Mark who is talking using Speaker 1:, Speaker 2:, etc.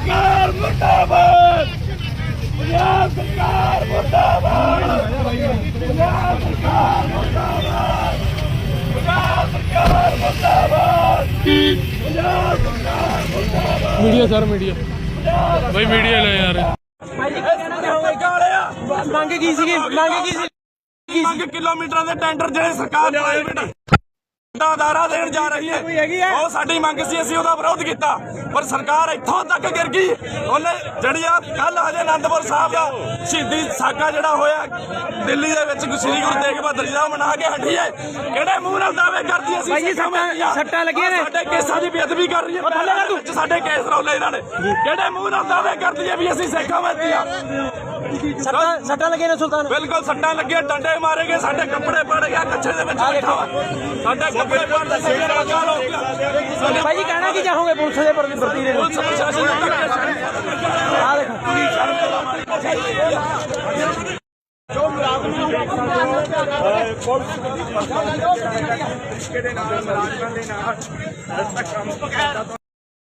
Speaker 1: सरकार मुर्दाबाद, पंजाब सरकार मुर्दाबाद, पंजाब सरकार मुर्दाबाद, पंजाब सरकार मुर्दाबाद, पंजाब सरकार मुर्दाबाद।
Speaker 2: मीडिया सर मीडिया भाई मीडिया ले यार
Speaker 3: ਮੰਗ ਕੀ ਸੀਗੀ
Speaker 1: ਮੰਗ ਕਿਲੋਮੀਟਰਾਂ ਦੇ ਟੈਂਡਰ ਜਿਹੜੇ ਸਰਕਾਰ ਪ੍ਰਾਈਵੇਟ ਅਦਾਰਾ ਦੇਣ ਜਾ ਰਹੀ ਹੈ ਉਹ ਸਾਡੀ ਮੰਗ ਸੀ। ਅਸੀਂ ਉਹਦਾ ਵਿਰੋਧ ਕੀਤਾ ਪਰ ਸਰਕਾਰ ਇੱਥੋਂ ਤੱਕ ਗਿਰ ਗਈ। ਉਹਨੇ ਜਿਹੜੀ ਆ ਕੱਲ ਹਜੇ ਆਨੰਦਪੁਰ ਸਾਹਿਬ ਦਾ ਸ਼ਹੀਦੀ ਸਾਕਾ ਜਿਹੜਾ ਹੋਇਆ ਦਿੱਲੀ ਦੇ ਵਿੱਚ ਸ੍ਰੀ ਗੁਰੂ ਤੇਗ ਬਹਾਦਰ ਜੀ ਦਾ ਮਨਾ ਕੇ ਹਟੀ ਹੈ। ਕਿਹੜੇ ਮੂੰਹ ਨਾਲ ਦਾਅਵੇ ਕਰਦੀ ਅਸੀਂ
Speaker 3: ਸੱਟਾਂ ਲੱਗੀਆਂ ਨੇ
Speaker 1: ਸਾਡੇ ਕੇਸਾਂ ਦੀ ਬੇਅਦਬੀ ਕਰ ਰਹੀ ਹੈ। ਸਾਡੇ ਕੇਸ ਰੌਲੇ ਇਹਨਾਂ ਨੇ ਕਿਹੜੇ ਮੂੰਹ ਨਾਲ ਦਾਅਵੇ ਕਰਦੀ ਹੈ ਵੀ ਅਸੀਂ ਸਿੱਖਾਂ ਵਿੱਚ ਆ।
Speaker 3: ਸੱਟਾਂ ਲੱਗੀਆਂ ਨੇ ਸੁਲਤਾਨ
Speaker 1: ਬਿਲਕੁਲ ਸੱਟਾਂ ਲੱਗੀਆਂ, ਡੰਡੇ ਮਾਰੇ ਗਏ, ਸਾਡੇ ਕੱਪੜੇ ਪੜ ਗਿਆ ਕੱਛੇ ਦੇ ਵਿੱਚ ਬੈਠਾ ਵਾ। ਸਾਡੇ ਕੱਪੜੇ ਪੜਦੇ ਸਾਡੇ ਰਾਜਾ ਲੋਕ
Speaker 3: ਭਾਈ ਜੀ ਕਹਿਣਾ ਕੀ ਚਾਹੋਗੇ ਪੁਲਿਸ ਦੇ ਪ੍ਰਤੀ ਦੇ
Speaker 1: ਪੁਲਿਸ ਪ੍ਰਸ਼ਾਸਨ
Speaker 3: ਆ ਦੇਖੋ
Speaker 1: ਪੁਲਿਸ